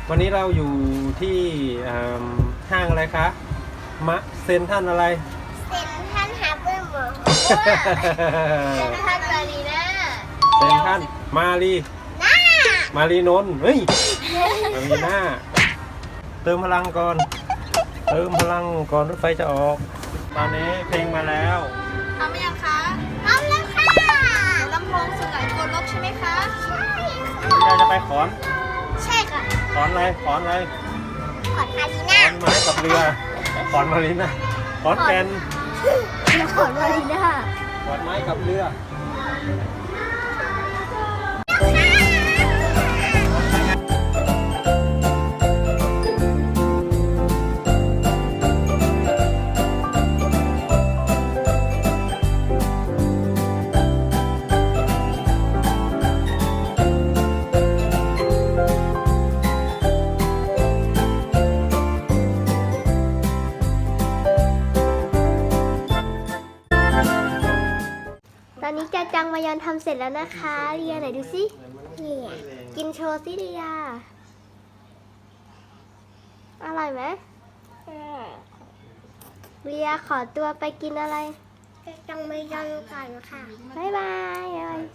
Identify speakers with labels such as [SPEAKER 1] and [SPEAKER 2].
[SPEAKER 1] วันนี้เราอยู่ที่ห้างอะไรคะเซ็นทรัลอะไร
[SPEAKER 2] เซ็นทรัลฮาร์เบอร์มอลล์เซ็นทรัลมารีน่า
[SPEAKER 1] เซ็นทรัลมารี
[SPEAKER 2] น่า
[SPEAKER 1] มารีนนท์เฮ้ยมารีน่าเติมพลังก่อน เติมพลังก่อนรถไฟจะออก ตอนนี้เพลงมาแล้ว
[SPEAKER 3] ทำไหมยังคะ
[SPEAKER 2] พร้อมแล้วค่ะ
[SPEAKER 3] ลำโพงสุไหงโกลกใช่ไหมคะ
[SPEAKER 2] ใช่ค่ะ
[SPEAKER 1] เราจะไปขอน
[SPEAKER 2] ใช่ค่ะ
[SPEAKER 1] ขอนอะไรขอนอะไร
[SPEAKER 2] ขอดมารี
[SPEAKER 1] ข
[SPEAKER 2] น่า
[SPEAKER 1] อนไม้กับเรือขอนมารีน่าขอนแก่น
[SPEAKER 2] ขอดมารีน่า
[SPEAKER 1] ขอนไม้กับเรือ
[SPEAKER 2] ตอนนี้จาจังมายอนทำเสร็จแล้วนะคะเรียไหนดูสิเนี่ยกินโชว์สิเรียอร่อยไหมเรียขอตัวไปกินอะไรจาจังมายอนก่อนค่ะบ๊ายบาย